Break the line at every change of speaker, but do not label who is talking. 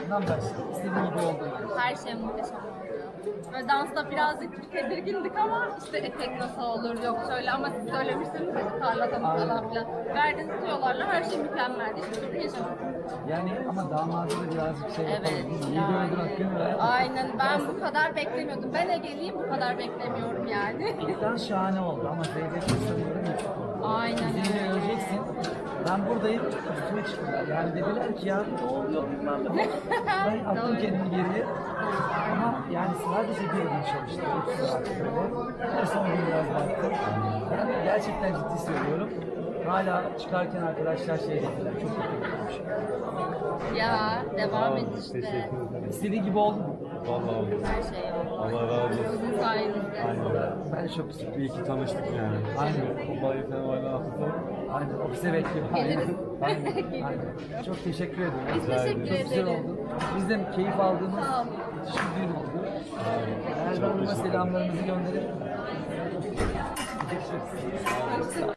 başından başla. İstediğin gibi oldu.
Her şey muhteşem oldu. Böyle dansta birazcık tedirgindik ama işte etek nasıl olur, yok şöyle ama siz söylemiştiniz ya parlatalım falan filan. Verdiğiniz tüyolarla her şey mükemmeldi. Hiçbir sorun yaşamadım.
Yani ama damadı da birazcık şey yapalım.
Evet.
Biz iyi gördün hakkını ver.
Aynen, ben bu kadar beklemiyordum. Ben Ege'liyim, bu kadar beklemiyorum yani.
İlkten şahane oldu ama Zeynep sanıyorum ilk oldu.
Aynen
Zeynep'i
öyle.
göreceksin. Ben buradayım, üstüme çıktılar. Yani dediler ki ya ne oluyor bilmem ne. Ben attım
Doğru.
kendimi geriye. Ama yani sadece bir gün çalıştım. 3 saat böyle. Ve son gün biraz baktım. Yani gerçekten ciddi söylüyorum. Hala çıkarken arkadaşlar şey dediler, çok kötü.
Ya, devam et
Teşekkür
işte.
ederim.
İstediği gibi oldu mu?
Vallahi oldu.
Her şey oldu.
Allah razı olsun.
Sizin sayenizde.
Aynen.
Ben çok sıkıntı.
İyi ki tanıştık yani.
Aynen.
Vallahi sen hala hafızam.
Aynen, ofise bekliyorum.
Geliriz.
Aynen.
Geliriz.
Aynen. Çok teşekkür ederim.
Biz teşekkür
Çok güzel
ederiz.
oldu. Biz de keyif aldığımız
Sağ olun.
bir gün oldu.
Çok
Erdoğan'ıma
teşekkür ederim.
selamlarımızı gönderelim.
Hoşçakalın.